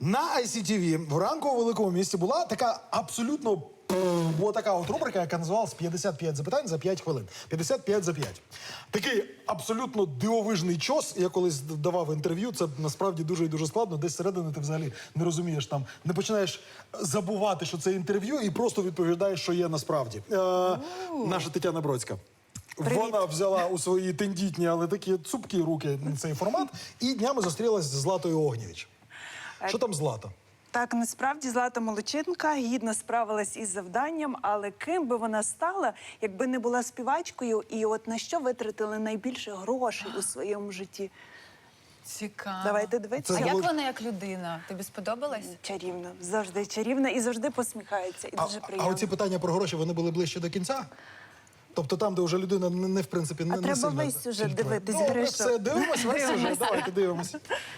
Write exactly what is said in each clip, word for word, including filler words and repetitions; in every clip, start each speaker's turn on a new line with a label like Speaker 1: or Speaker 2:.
Speaker 1: На ай сі ті ві в ранку у великому місті була така абсолютно була така от рубрика, яка називалась п'ятдесят п'ять запитань за п'ять хвилин. п'ятдесят п'ять за п'ять. Такий абсолютно дивовижний час. Я колись давав інтерв'ю, це насправді дуже і дуже складно. Десь всередини ти взагалі не розумієш там, не починаєш забувати, що це інтерв'ю, і просто відповідаєш, що є насправді. Е, наша Тетяна Бродська.
Speaker 2: Привіт.
Speaker 1: Вона взяла у свої тендітні, але такі цупкі руки цей формат, і днями зустрілась з Златою Огнєвіч. Що там Злата?
Speaker 2: Так, насправді Злата Молодчинка гідно справилась із завданням, але ким би вона стала, якби не була співачкою, і от на що витратили найбільше грошей у своєму житті?
Speaker 3: Цікаво.
Speaker 2: Давайте дивитися.
Speaker 3: А
Speaker 1: Це
Speaker 3: як
Speaker 1: було-
Speaker 3: вона як людина? Тобі сподобалась?
Speaker 2: Чарівна, завжди чарівна і завжди посміхається. І
Speaker 1: А,
Speaker 2: дуже
Speaker 1: а
Speaker 2: приємно.
Speaker 1: оці питання про гроші, вони були ближче до кінця? Тобто там, де вже людина не, не в принципі, не,
Speaker 2: А
Speaker 1: не
Speaker 2: треба
Speaker 1: сильно
Speaker 2: весь сюжет
Speaker 1: фільтрує.
Speaker 2: дивитись,
Speaker 1: Добре,
Speaker 2: Гришо.
Speaker 1: все, дивимось весь сюжет.
Speaker 2: Дивимось.
Speaker 1: Давайте дивимось.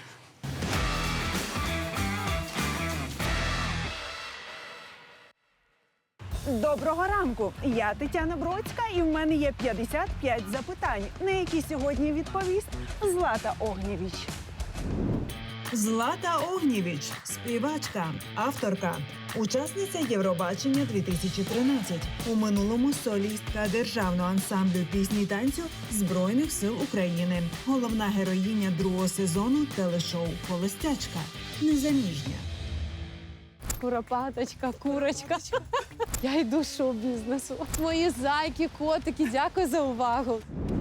Speaker 2: Доброго ранку! Я Тетяна Бродська, і в мене є п'ятдесят п'ять запитань, на які сьогодні відповість Злата Огнєвіч.
Speaker 4: Злата Огнєвіч – співачка, авторка, учасниця Євробачення дві тисячі тринадцять. У минулому солістка державного ансамблю пісні й танцю Збройних сил України. Головна героїня другого сезону телешоу «Холостячка». Незаміжня.
Speaker 5: Куропаточка, курочка. Я йду з шоу-бізнесу. Мої зайки, котики, дякую за увагу.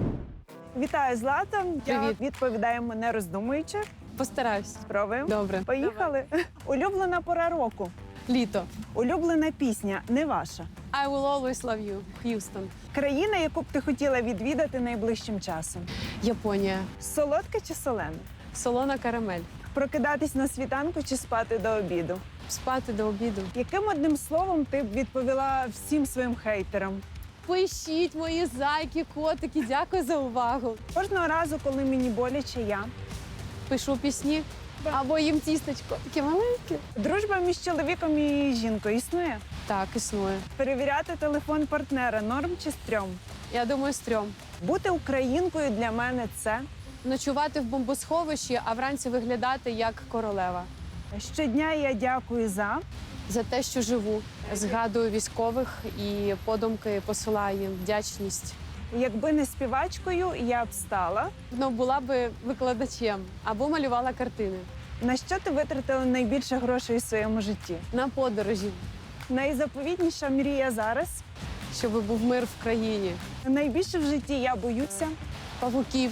Speaker 2: Вітаю, Злата. Я
Speaker 5: Привіт.
Speaker 2: відповідаємо не роздумуючи.
Speaker 5: Постараюсь.
Speaker 2: Спробуємо.
Speaker 5: Добре.
Speaker 2: Поїхали. Улюблена пора року.
Speaker 5: Літо.
Speaker 2: Улюблена пісня не ваша.
Speaker 5: I will always love you, Х'юстон.
Speaker 2: Країна, яку б ти хотіла відвідати найближчим часом.
Speaker 5: Японія.
Speaker 2: Солодке чи солене?
Speaker 5: Солона карамель.
Speaker 2: Прокидатись на світанку чи спати до обіду?
Speaker 5: Спати до обіду.
Speaker 2: Яким одним словом ти б відповіла всім своїм хейтерам?
Speaker 5: Пишіть, мої зайки, котики, дякую за увагу.
Speaker 2: Кожного разу, коли мені боляче, я.
Speaker 5: Пишу пісні або їм тістечко. Таке маленьке.
Speaker 2: Дружба між чоловіком і жінкою існує?
Speaker 5: Так, існує.
Speaker 2: Перевіряти телефон партнера норм чи стрьом?
Speaker 5: Я думаю, стрьом.
Speaker 2: Бути українкою для мене це
Speaker 5: Ночувати в бомбосховищі, а вранці виглядати як королева.
Speaker 2: щодня я дякую за.
Speaker 5: За те, що живу. Згадую військових і подумки посилаю їм вдячність.
Speaker 2: Якби не співачкою, я б стала.
Speaker 5: Ну, була би викладачем або малювала картини.
Speaker 2: На що ти витратила найбільше грошей у своєму житті?
Speaker 5: На подорожі,
Speaker 2: Найзаповітніша мрія зараз.
Speaker 5: щоб був мир в країні.
Speaker 2: Найбільше в житті я боюся.
Speaker 5: Павуків,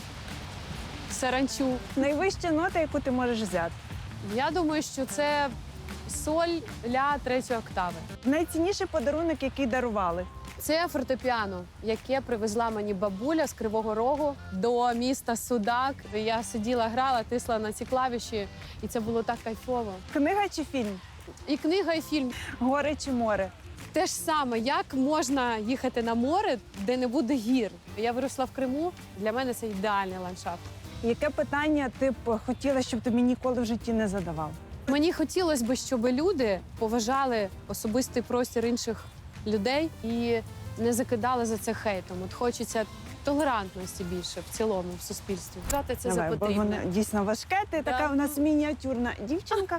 Speaker 5: саранчу.
Speaker 2: Найвища нота, яку ти можеш взяти.
Speaker 5: Я думаю, що це соль ля третьої октави.
Speaker 2: Найцінніший подарунок, який дарували.
Speaker 5: Це фортепіано, яке привезла мені бабуля з Кривого Рогу до міста Судак. Я сиділа, грала, тисла на ці клавіші, і це було так кайфово.
Speaker 2: Книга чи фільм?
Speaker 5: І книга, і фільм.
Speaker 2: Гори чи море?
Speaker 5: Те ж саме, як можна їхати на море, де не буде гір. Я виросла в Криму, для мене це ідеальний ландшафт.
Speaker 2: Яке питання ти б хотіла, щоб тобі ніколи в житті не задавав?
Speaker 5: Мені хотілося б, щоб люди поважали особистий простір інших людей і не закидали за це хейтом. От хочеться толерантності більше в цілому в суспільстві. Вважати це
Speaker 2: Давай,
Speaker 5: за
Speaker 2: бо
Speaker 5: потрібне.
Speaker 2: воно дійсно важке. Ти така
Speaker 5: Так.
Speaker 2: у нас мініатюрна дівчинка.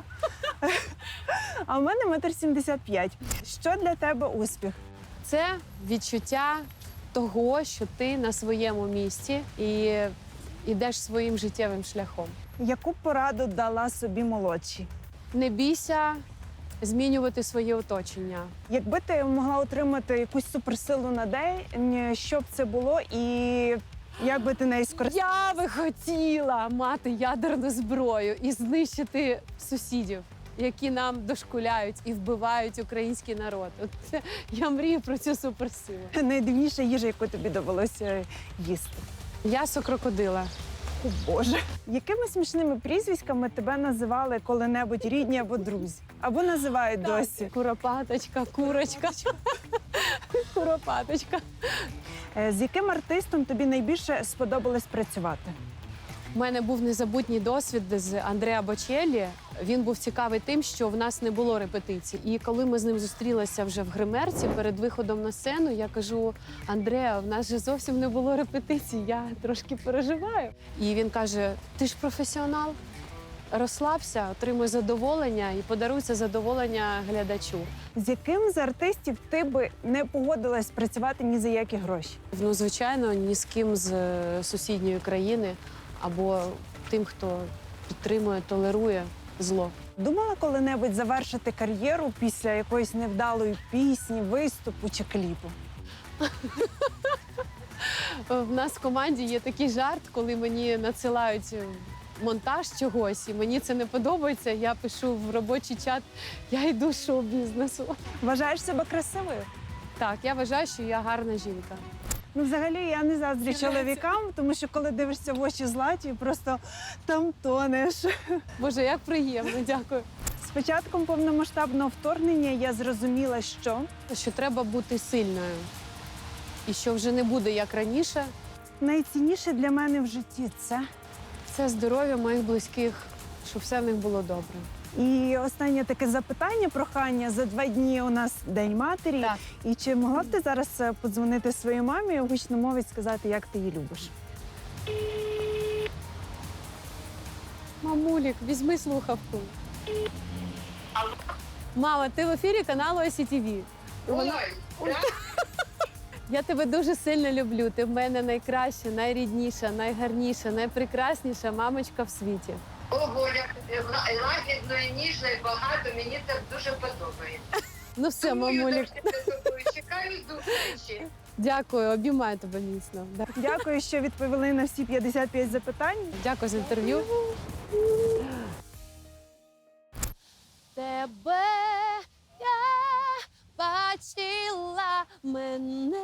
Speaker 2: А в мене метр сімдесят п'ять. Що для тебе успіх?
Speaker 5: Це відчуття того, що ти на своєму місці і йдеш своїм життєвим шляхом.
Speaker 2: Яку б пораду дала собі молодші?
Speaker 5: Не бійся змінювати своє оточення.
Speaker 2: Якби ти могла отримати якусь суперсилу на день, що б це було і як би ти нею скористалася?
Speaker 5: Я би хотіла мати ядерну зброю і знищити сусідів, які нам дошкуляють і вбивають український народ. От це, я мрію про цю суперсилу.
Speaker 2: Найдивніша їжа, яку тобі довелося їсти.
Speaker 5: М'ясо крокодила.
Speaker 2: О, Боже. Якими смішними прізвиськами тебе називали коли-небудь рідні або друзі? Або називають досі?
Speaker 5: Куропаточка, курочка. Куропаточка.
Speaker 2: Е, З яким артистом тобі найбільше сподобалось працювати?
Speaker 5: У мене був незабутній досвід з Андреа Бочеллі. Він був цікавий тим, що в нас не було репетицій. І коли ми з ним зустрілися вже в гримерці перед виходом на сцену, я кажу: Андреа, в нас же зовсім не було репетицій, я трошки переживаю. І він каже: ти ж професіонал. розслабся, отримуй задоволення і подаруй це задоволення глядачу.
Speaker 2: З яким з артистів ти би не погодилась працювати ні за які гроші?
Speaker 5: Ну, звичайно, ні з ким з е, сусідньої країни або тим, хто підтримує, толерує зло.
Speaker 2: Думала коли-небудь завершити кар'єру після якоїсь невдалої пісні, виступу чи кліпу?
Speaker 5: В нас в команді є такий жарт, коли мені надсилають монтаж чогось, і мені це не подобається. Я пишу в робочий чат, я йду з шоу-бізнесу.
Speaker 2: Вважаєш себе красивою?
Speaker 5: Так, я вважаю, що я гарна жінка.
Speaker 2: Ну, взагалі, я не заздрю чоловікам, тому що коли дивишся в очі Златі, просто там тонеш.
Speaker 5: Боже, як приємно, дякую.
Speaker 2: З початком повномасштабного вторгнення я зрозуміла, що
Speaker 5: Що треба бути сильною. І що вже не буде як раніше.
Speaker 2: найцінніше для мене в житті це.
Speaker 5: Це здоров'я моїх близьких, щоб все в них було добре.
Speaker 2: І останнє таке запитання, прохання. За два дні у нас День матері.
Speaker 5: Так.
Speaker 2: І чи могла б ти зараз е, подзвонити своїй мамі у гучномовець, сказати, як ти її любиш?
Speaker 5: Мамулік, візьми слухавку. Мама, ти в ефірі каналу Ай Сі Ті Ві.
Speaker 6: Ой,
Speaker 5: Я тебе дуже сильно люблю. Ти в мене найкраща, найрідніша, найгарніша, найпрекрасніша мамочка в світі.
Speaker 6: ого, як лагідно і ніжно, і багато, мені це дуже подобається.
Speaker 5: Ну все,
Speaker 6: Тому я
Speaker 5: мамулік,
Speaker 6: завжди за тобою чекаю зустрічі.
Speaker 5: дякую, обіймаю тебе міцно. Да.
Speaker 2: Дякую, що відповіли на всі п'ятдесят п'ять запитань.
Speaker 5: Дякую за інтерв'ю. Тебе я бачила, мене